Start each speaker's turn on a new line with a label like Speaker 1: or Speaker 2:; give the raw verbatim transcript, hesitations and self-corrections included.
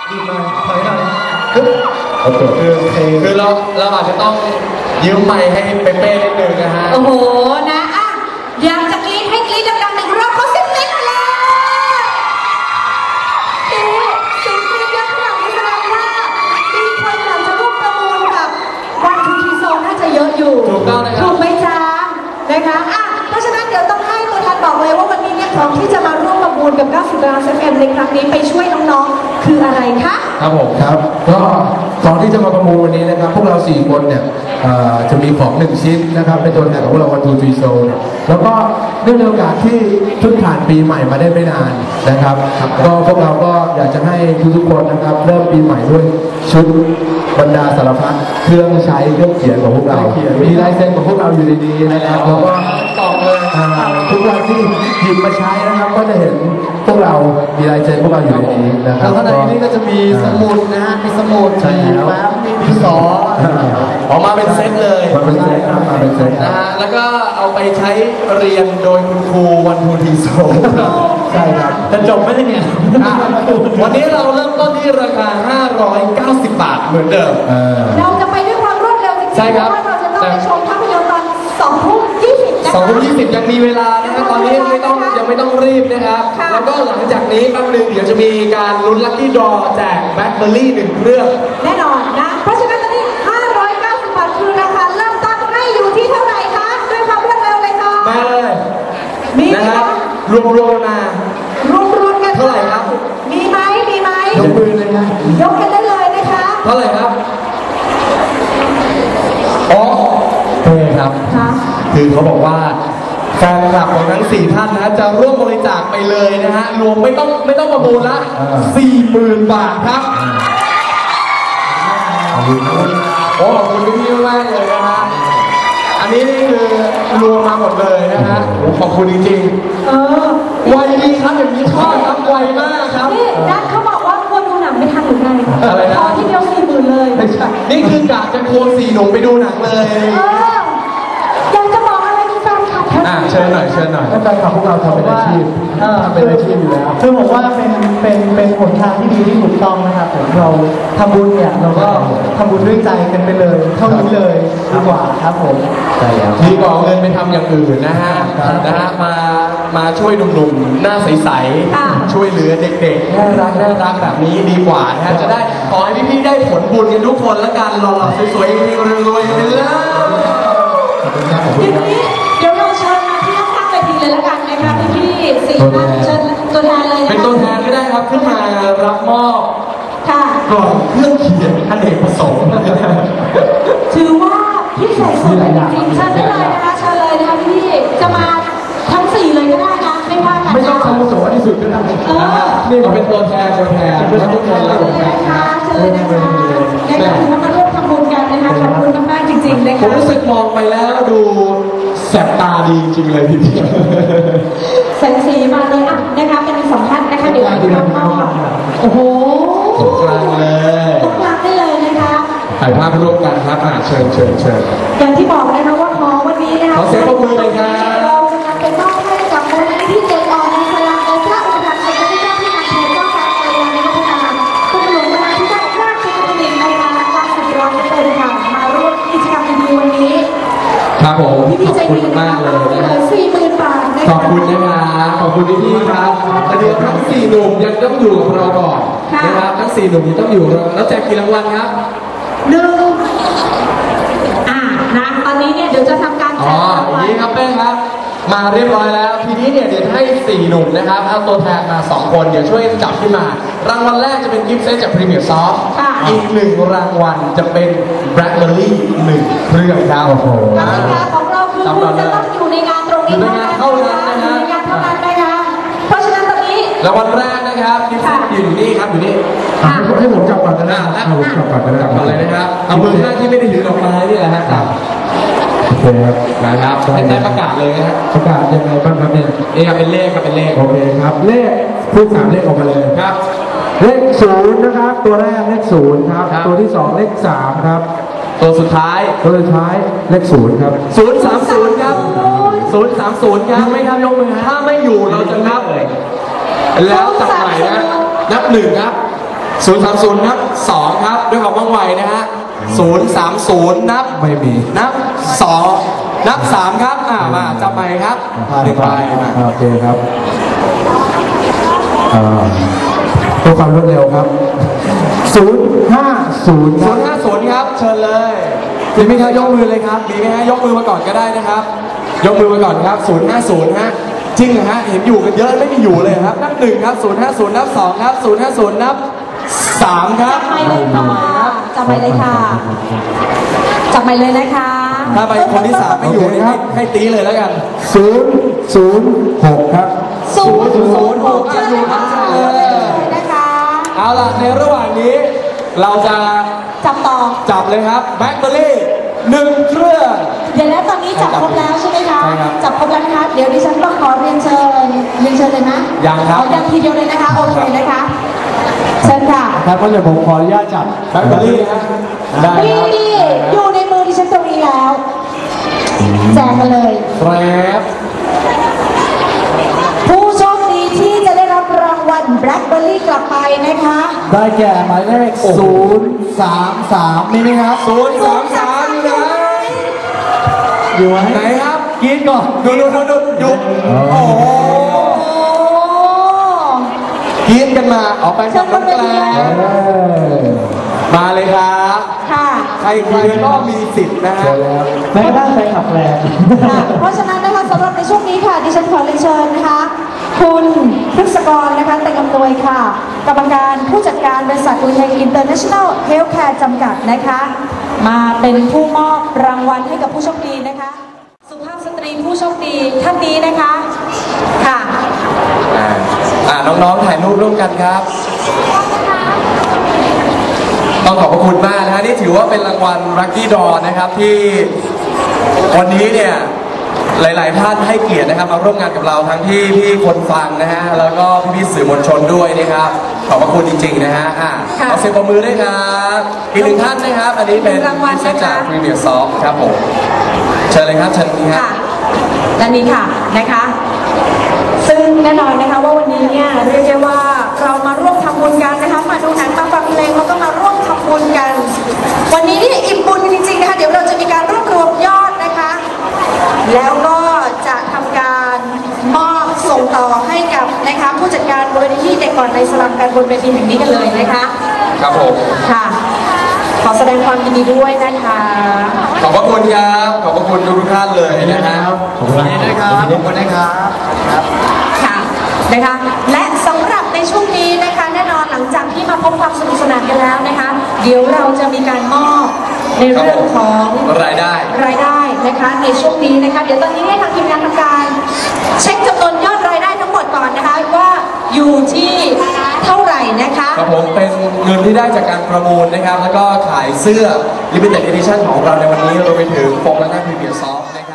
Speaker 1: ดีมากถอยหน่อยคือคือคือเราเราอาจจะต้องยืมไมค์ให้เป๊ะๆนิดนึงนะฮะ
Speaker 2: โอ้โหนะอ่ะอยากจะกรี๊ดให้กรี๊ดดังๆหนึ่งรอบเขาสิบเล่นมาแล้วเอ๊ะเสียงกรี๊ดเยอะขนาดนี้แสดงว่ามีคนอยากจะร่วมประมูลกับวันทูทีโซนน่าจะเยอะอยู่
Speaker 1: ถูกต้องนะครับ
Speaker 2: ถูกไหมจ๊ะนะคะอ่ะเพราะฉะนั้นเดี๋ยวต้องให้ตัวแทนบอกเลยว่าวันนี้เนี่ยของที่จะมาร่วมประมูลกับเก้าสิบล้าน เอฟ เอ็ม ในครั้งนี้ไปช่วยน้องๆคืออะไรคะ
Speaker 3: ครับผมครับก็ตอนที่จะมาประมูลวันนี้นะครับพวกเราสี่คนเนี่ยจะมีของหนึ่งชิ้นนะครับเป็นตัวแทนของพวกเราวันทูทีโซนแล้วก็เนื่องในโอกาสที่เพิ่งผ่านปีใหม่มาได้ไม่นานนะครับก็พวกเราก็อยากจะให้ทุกๆคนนะครับเริ่มปีใหม่ด้วยชุดบรรดาสารพัดเครื่องใช้เครื่องเขียนของพวกเรามีลายเซ็นของพวกเราอยู่ในนี้นะครับแล้วก็
Speaker 1: ตอบเลย
Speaker 3: ทุกวันที่หยิบมาใช้นะครับก็จะเห็นพวกเรามีลายเซ็นพวกเราอยู่ในนี้นะครับ
Speaker 1: แล้วข้างในนี้ก็จะมีสมุดนะฮะมีสมุดมีแฟ้มมีดินสอออกมาเป็นเซตเลย
Speaker 3: มาเป็นเซตครับมาเป็นเซต
Speaker 1: นะฮะแล้วก็เอาไปใช้เรียนโดยคุณครูวันทูทีโซ
Speaker 3: ใช่ครับ
Speaker 1: จะจบไหมเนี่ยวันนี้เราเริ่มต้นที่ราคาห้าร้อยเก้าสิบบาทเหมือนเดิม
Speaker 2: เราจะไปด้วยความรวดเร็วจริงๆเพราะว่าเราจะต้องไปชมภาพยนตร์ตอนสองทุ่มยี่สิบนะคะ
Speaker 1: สองทุ่มยี่สิบยังมีเวลานะครับตอนนี้ยังไม่ต้องยังไม่ต้องรีบนะครับแล้วก็หลังจากนี้แป๊บนึงเดี๋ยวจะมีการลุ้นลัคกี้ดรอแจกแบล็คเบอร์รี่หนึ่งเครื่อง
Speaker 2: แน่นอนนะเพราะฉะนั้นตอนนี้ห้าร้อยเก้าสิบบาทคือราคาเริ่มต้นให้อยู่ที่เท่าไหร่คะด้วยความรวดเร็วเลยค่ะ
Speaker 1: มาเลย
Speaker 2: มี
Speaker 1: นะครับรวมรวมมาร
Speaker 2: วมรวมกัน
Speaker 1: เท่าไหร่ครับ
Speaker 2: มีไหมมีไหม
Speaker 3: ยกมือเลยนะ
Speaker 2: ยกกันได้เลยนะคะ
Speaker 1: เท่าไหร่ครับอ๋อเท่ครับคือเขาบอกว่าแฟนคลับของทั้งสี่ท่านนะจะร่วมบริจาคไปเลยนะฮะรวมไม่ต้องไม่ต้องประมูลละสี่หมื่นบาทครับโอ้ขอบคุณพี่ๆมากเลยนะฮะอันนี้นี่คือรวมมาหมดเลยนะฮะขอบคุณจริงๆเออไวดีครับอย่างนี้ชอบครับไวมากครับ
Speaker 2: นี่นัทเขาบอกว่าควรดูหนังไม่ทันหรือไง
Speaker 1: อะไรนะ
Speaker 2: พอที่เดียวสี่หมื่นเลย
Speaker 1: ไม่ใช่นี่คือกะจะควงสี่หนุ่มไปดูหนังเลย
Speaker 2: อยากจะบอกอะไรกับแฟนคลับ
Speaker 1: อ่ะเชิญหน่อยเชิญหน่อย
Speaker 3: แฟนคลับพวกเราทำเป็นอาชีพทำเป็นอาชีพอยู่แล้ว
Speaker 4: คือผมว่าเป็นเป็นเป็นหนทางที่ดีที่ถูกต้องนะครับผมเราทำบุญเนี่ยเราก็ทำบุญด้วยใจกันไปเลยเท่านี้เลยดีกว่าครับผม
Speaker 3: ใช่แล้ว
Speaker 1: ดีกว่าเงินไปทำอย่างอื่นนะฮะนะฮะมามาช่วยหนุ่มๆหน้าใสๆช่วยเหลือเด็กๆน่ารักน่ารักแบบนี้ดีกว่านะฮะจะได้ขอให้พี่ๆได้ผลบุญกันทุกคนและกันหล่อๆสวยๆรวยๆไปเลย
Speaker 2: อย่างนี้เดี๋ยวเราเชิญมาที่ข้างเวทีเลยละกันนะคะพี่ๆสี่ท่านเชิญตัวแทนเลย
Speaker 1: เป็นตัวแทนก็ได้ครับขึ้นมารับมอบ
Speaker 2: ค่ะ
Speaker 1: กล่องเครื่องเขียนอเนกประสงค์
Speaker 2: ถือว่าพิเศษสุดจริงๆเชิญได้เลยนะคะเชิญเลยนะคะพี่จะมาทั้งสี่เลยก็ได้นะไม่ว่ากัน
Speaker 3: ไม่ต้องอาวุโสที่สุดก็ได้
Speaker 1: นี่เราเป็นตัวแทนตัวแทนทุกคนเลย
Speaker 2: นะคะเชิญเลยนะคะได้ถือว่ามาร่วมทำบุญกันนะคะขอบคุณมากๆจริงๆนะคะ
Speaker 1: ผมรู้สึกมองไปแล้วดูแสบตาดีจริงเลยพี่พี่
Speaker 2: แสงสีมาเลยอ่ะนะคะเป็นสองท่านนะคะเดี๋ยวเราจะมอบโอ้โห
Speaker 1: ตรงกลางเลย
Speaker 2: ตรงกลางได้เลยนะคะ
Speaker 1: ถ่ายภาพร่วมกันครับอ่ะเชิญเชิญเชิญ
Speaker 2: อย่างที่บอกนะคะว่าขอวันนี้นะคะ
Speaker 1: ขอเสียงปรบมือเลยครับ
Speaker 2: เราจะนำไปมอบให้กับมูลนิธิเด็กอ่อนในสลามและพระอุปถัมภ์สมเด็จพระเจ้าที่นำเทพเจ้าฟ้าเจ้าในพัฒนาคุณหลวงพระนาธิการราชกิจจาในงานการสุดยอดเลยค่ะมาร่วมกิจกรรมดีๆวันนี้
Speaker 1: ครับผม
Speaker 2: ขอบคุณมากเลยนะสี่หมื่นบาท
Speaker 1: ขอบคุณนะครับขอบคุณพี่ๆครับเดี๋ยวทั้งสี่หนุ่มยังต้องอยู่กับเราก่อนนะครับทั้งสี่หนุ่มยังต้องอยู่เราแล้วแจกกี่รางวัลครับ
Speaker 2: หนึ่งอ่านะตอนนี้เนี่ยเดี๋ยวจะทำการแจกรางวัล
Speaker 1: อย่างนี้ครับเป้ครับมาเรียบร้อยแล้วทีนี้เนี่ยเดี๋ยวให้สี่หนุ่มนะครับเอาตัวแทนมาสองคนเดี๋ยวช่วยจับขึ้นมารางวัลแรกจะเป็นกิฟต์เซตจากพรีเมียร์ซอฟต์อีกหนึ่งรางวัลจะเป็นแบล็คเบอร์รี่หนึ่งเครื่องดาวโอ้โห
Speaker 2: กติกาของเราคือคุณจะต้องอยู่ในงานตรงนี้
Speaker 1: เท่านั้นเท่านั้นนะ
Speaker 2: ในงานเท่านั้นนะคะเพราะฉะนั้นตอนนี้
Speaker 1: รางวัลแรกนะครับกิฟต์เซตอยู่นี่ครับอยู่นี่
Speaker 3: ให้ผมจับก่อนก็ได้ให้ผมจับก่อนก็ได้
Speaker 1: จับก่อนเลยนะครับเอามือข้างที่ไม่ได้ถือดอกไม้นี่แหละครับ
Speaker 3: โอเคครับ
Speaker 1: นะครับให้ได้ประกาศเลยนะ
Speaker 3: ประกาศยังไงบ้างครับเนี่ย
Speaker 1: เอ๊ะเป็นเลขครับเป็นเลข
Speaker 3: โอเคครับเลขพูดสามเลขออกมาเลย
Speaker 1: ครับ
Speaker 3: เลขศูนย์นะครับตัวแรกเลขศูนย์ครับตัวที่สองเลขสามครับ
Speaker 1: ตัวสุดท้าย
Speaker 3: ตัวสุดท้ายเลขศูนย์ครับ
Speaker 1: ศูนย์สามศูนย์ครับศูนย์สามศูนย์ครับไม่ครับยกมือถ้าไม่อยู่เราจะนับแล้วจับใหม่นะนับหนึ่งครับศูนย์สามศูนย์นับสองครับด้วยความว่องไวนะฮะศูนย์สามศูนย์นับ
Speaker 3: ไม่มี
Speaker 1: นับสองนับสามครับอ่ามาจับไปครับหนึ่งใบมา
Speaker 3: โอเคครับอ่าเพื่อความรวดเร็วครับศูนย์ห้าศูนย์ค
Speaker 1: ศู
Speaker 3: รับ
Speaker 1: นย์ห้าศูนย์ครับเชิญเลยมีไหมครับยกมือเลยครับมีไหมฮะยกมือมาก่อนก็ได้นะครับ ยกมือมาก่อนครับศูนย์ห้าศูนย์ฮะจริงเหรอฮะเห็นอยู่กันเยอะไม่มีอยู่เลยครับนับหนึ่งครับศูนย์ห้าศูนย์นับสองครับศูนย์ห้าศูนย์นับสามครับ
Speaker 2: จับไปเลยค่ะจับไปเลยค่ะจับไปเลยนะคะ
Speaker 1: ถ้าไปคนที่สามไม่อยู่นี่ให้ให้ตีเลยแล้วกัน
Speaker 3: ศูนย์ศูนย์หกครับ
Speaker 2: ศูนย์ศูนย์หก
Speaker 1: อ่ะอยู่ครับ
Speaker 2: เลยนะคะ
Speaker 1: เอาล่ะในระหว่างนี้เราจะ
Speaker 2: จับต่อ
Speaker 1: จับเลยครับแบล็คเบอร์รี่หนึ่งเครื่อง
Speaker 2: เดี๋ยวแล้วตอนนี้จับครบแล้วใช่ไหมคะ
Speaker 1: ใช่ครับ
Speaker 2: จับครบแล้วนะคะ เดี๋ยวดิฉันต้องขอเรียนเชิญเรียนเชิญเลยนะ
Speaker 1: ยังครับ
Speaker 2: เอายังทีเดียวเลยนะคะ โอเคนะคะ เชิญค่ะ
Speaker 4: ครับก็จะผมขออนุญาตจับ
Speaker 1: แบล็คเบอร์รี่ฮะได้
Speaker 2: นี่
Speaker 1: ครับ
Speaker 2: นี่อยู่ในมือดิฉันตรงนี้แล้ว แจกกันเลย
Speaker 1: แกรบ
Speaker 2: ผู้โชคดีที่จะได้รับรางวัลแบล็คเบอร์รี่กลับไปนะคะ
Speaker 4: ได้แก่หมายเลขศูนย์สามสามนี่ไหมครับ
Speaker 1: ศูนย์สามสามอยู่ไหน
Speaker 4: อยู่ไหม
Speaker 1: ไหนครับ
Speaker 4: กินก่อน
Speaker 1: ดูดูดูดูดูโอ้โห
Speaker 2: โอ้
Speaker 1: กินกันมาออกไปกับน้องแกล
Speaker 2: เชิญบนเวที
Speaker 1: มาเลยครับ
Speaker 2: ค่ะ
Speaker 1: ใครใครก็มีสิทธิ์นะฮะ
Speaker 4: แม้กระทั่งแฟนขับแรง
Speaker 2: ค่ะเพราะฉะนั้นนะคะสำหรับในช่วงนี้ค่ะดิฉันขอเรียนเชิญนะคะ คุณพฤกษกรนะคะเต็งอำนวยค่ะ กรรมการผู้จัดการบริษัทอุทัยอินเตอร์เนชั่นแนลเฮลท์แคร์จำกัดนะคะ มาเป็นผู้มอบรางวัลให้กับผู้โชคดีนะคะ สุภาพสตรีผู้โชคดีท่านนี้นะคะค่ะ
Speaker 1: อ่าอ่าน้องๆถ่ายรูปร่วมกันครับ ต้องขอบพระคุณมากนะฮะนี่ถือว่าเป็นรางวัล Lucky Draw นะครับที่วันนี้เนี่ยหลายๆท่านให้เกียรตินะครับมาร่วมงานกับเราทั้งที่พี่คนฟังนะฮะแล้วก็พี่ๆสื่อมวลชนด้วยนะครับขอบพระคุณจริงๆนะฮะอ่ะ
Speaker 2: ค่ะ
Speaker 1: เอาเสียงปรบมือด้วยครับอีกหนึ่งท่านนะครับ อันนี้เป็น
Speaker 2: รางวัลนะคะ
Speaker 1: เซตจากพรีเมียร์ซอฟครับผมเชิญเลยครับเชิญนี่ครั
Speaker 2: ค่ะ
Speaker 1: บ
Speaker 2: ด้านนี้ค่ะนะคะ ซึ่งแน่นอนนะคะว่าวันนี้เนี่ยเรียกได้ว่าเรามาร่วมทำบุญกันนะคะมาดูหนังมาฟังเพลงแล้วก็มาร่วมทำบุญกัน วันนี้นี่อิ่มบุญจริงๆนะคะเดี๋ยวเราจะมีการรวบรวมยอดนะคะ แล้วก็จะทำการมอบส่งต่อให้กับนะคะผู้จัดการมูลนิธิเด็กก่อนในสลัมกันบนเวทีแห่งนี้กันเลยนะคะ
Speaker 1: ครับผม
Speaker 2: ค่ะ ขอแสดงความยินดีด้วยนะคะ
Speaker 1: ขอบพระคุณครับขอบพระคุณทุกๆท่านเลยนะครับ
Speaker 4: ขอบคุณนะครับขอบคุณนะครับ
Speaker 2: ค่ะนะคะและสำหรับในช่วงนี้นะคะแน่นอนหลังจากที่มาพบความสนุกสนานกันแล้วนะคะเดี๋ยวเราจะมีการมอบในเรื่องของ
Speaker 1: รายได้
Speaker 2: รายได้นะคะในช่วงนี้นะคะเดี๋ยวตอนนี้ให้ทางทีมงานทำการเช็คจำนวนยอดรายได้ทั้งหมดก่อนนะคะว่าอยู่ที่เท่าไหร่นะคะ
Speaker 1: ครับผมเป็นเงินที่ได้จากการประมูลนะครับ แล้วก็ขายเสื้อ Limited Edition ของเราในวันนี้รวมไปถึงโฟมและหน้าพรีเมียร์ซอฟต์